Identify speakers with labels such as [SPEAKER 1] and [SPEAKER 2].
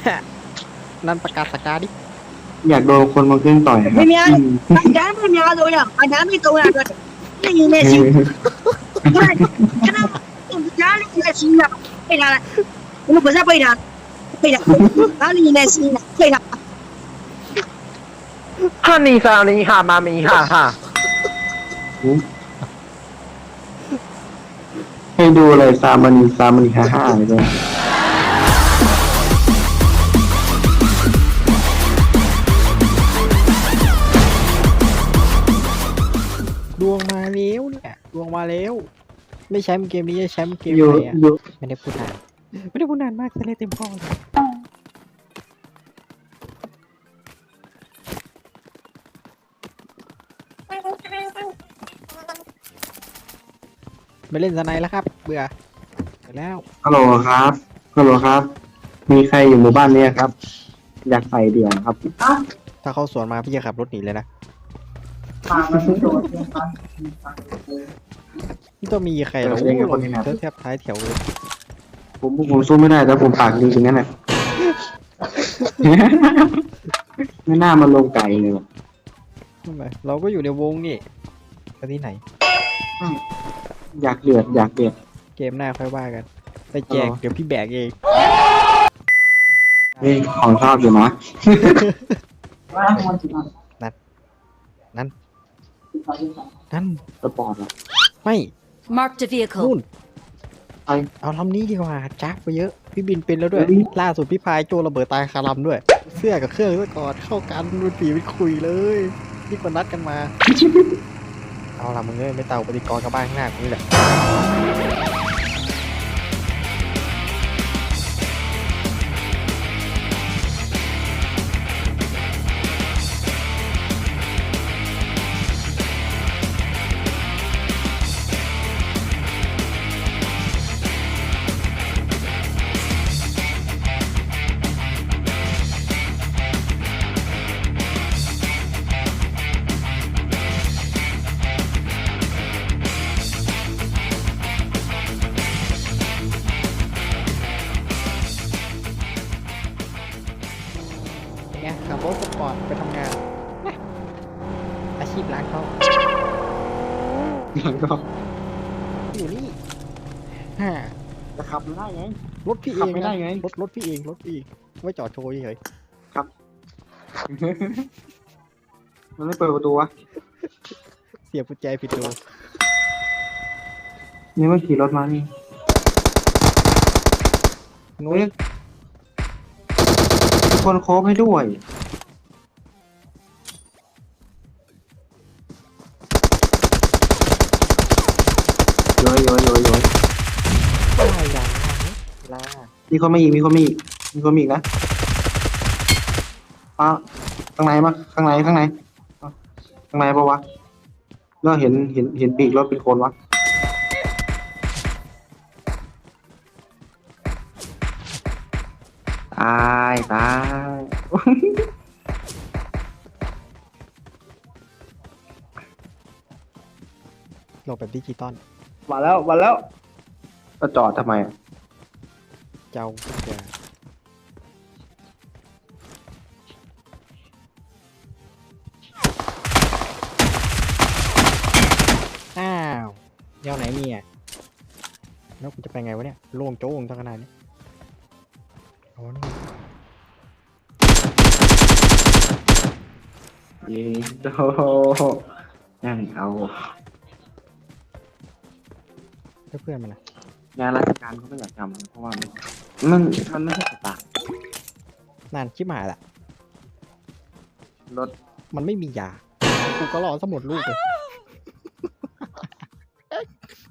[SPEAKER 1] นั่นประกาศสกาดิ
[SPEAKER 2] อยากโดนคนมาเครื่องต่อยครับ
[SPEAKER 3] ไม่มีอะไรอาจารย์ไม่มีอะไรตัวอย่างอาจารย์ไม่ตัวอย่างเลยนี่เนี่ยสิไม่ฉันเอาอาจารย์นี่เนี่ยสินะไม่ได้ละผมไม่ใช่ไม่ได้ไม่ได้อาจารย์นี่เนี่ยสินะไม่ได้
[SPEAKER 4] ฮันนี่ซานี่ฮามามีฮาฮา
[SPEAKER 2] ให้ดูเลยซามณีฮ่าเลยด้วย
[SPEAKER 1] ดวงมาแล้วเนี่ยดวงมาแล้วไม่แชมป์เกมนี้จะแชมป์เกม
[SPEAKER 2] อยู่
[SPEAKER 1] ไหนอ่ะ
[SPEAKER 2] อยู่
[SPEAKER 1] ไม่ได้พูดนานไม่ได้พูดนานมากจะเล่นเต็มข้อเลยไม่เล่นสไนแล้วครับเบื่อแล้ว
[SPEAKER 2] ฮัลโหลครับฮัลโหลครับ มีใครอยู่หมู่บ้านนี้ครับ อยากใส่เดี่ยวครับ
[SPEAKER 1] ถ้าเขาสวนมาพี่จะขับรถหนีเลยนะไม่ต้องมีใครหรอกแทบท้ายแถวเลย
[SPEAKER 2] ผมสู้ไม่ได้แต่ผมปากดีจริงนั่นแหละ ไม่น่ามาลงไก่เลยว่ะ
[SPEAKER 1] ทำไมเราก็อยู่ในวงนี่ไปที่ไหน
[SPEAKER 2] อยากเดือด
[SPEAKER 1] เกมหน้าค่อยว่ากันไปแจกเดี๋ยวพี่แบกเอง
[SPEAKER 2] เฮ้ยของชอบอยู่นะ
[SPEAKER 1] นั่น
[SPEAKER 2] สปอร์ตอ่ะ
[SPEAKER 1] ไม่
[SPEAKER 5] Marked a
[SPEAKER 1] นู่
[SPEAKER 5] vehicle.
[SPEAKER 1] น
[SPEAKER 2] ไป
[SPEAKER 1] เอาลำนี้ดีกว่าจักไปเยอะพี่บินเป็นแล้วด้วย
[SPEAKER 2] เฮ้ย
[SPEAKER 1] ล่าสุดพี่พายโจระเบิดตายคาลำด้วย เสื้อกับเครื่องซะก่อนเข้ากันเป็นปีเป็นคุยเลยนี่ก็นัดกันมา เอาละมึงเอ้ยไม่เตาปฏิกรณ์กับบ้านข้างหน้ากูนี่แหละไงขับรถสปอร์ตไปทำงานนะอาชีพร้านเขา
[SPEAKER 2] แล้วก็
[SPEAKER 1] อยู่นี่ฮ่า
[SPEAKER 2] จะขับไม่ได้ไง
[SPEAKER 1] รถพี่เอ
[SPEAKER 2] ขับ
[SPEAKER 1] ง
[SPEAKER 2] ไม่ได้ไง
[SPEAKER 1] รถพี่เองไว้จอดโชว์เฉย
[SPEAKER 2] มันไม่เปิดประตูวะ
[SPEAKER 1] เสียบกุญแจผิดตัว
[SPEAKER 2] นี่เมื่อขี่รถมานี่
[SPEAKER 1] นู้
[SPEAKER 2] เฮ้
[SPEAKER 1] น
[SPEAKER 2] ยมีคนโค้งให้ด้วยโยย
[SPEAKER 1] ได้ยังลา
[SPEAKER 2] มีคนมาอีกมีคนมาอีกนะป้าข้างในปะข้างในปะวะแล้วเห็นปีกรถเป็นคนวะตาย
[SPEAKER 1] โหลดแบบดิจิตอล
[SPEAKER 2] มาแล้วก็จอดทำไมอะ
[SPEAKER 1] เจ้ากุญแจอ้าวเดี๋ยวไหนเนี่ยแล้วกูจะไปไงวะเนี่ยโล่งโจ้งทั้งขนาดนี้เอานี่
[SPEAKER 2] เย้โดยังเอา
[SPEAKER 1] เพื่อนมันนะ
[SPEAKER 2] งานราชการเขาไม่อยากทำเพราะว่ามันไม่ใช่สตาร์
[SPEAKER 1] นานชิบหายละ
[SPEAKER 2] รถ
[SPEAKER 1] มันไม่มียากูก็รอสมุดลูกเลย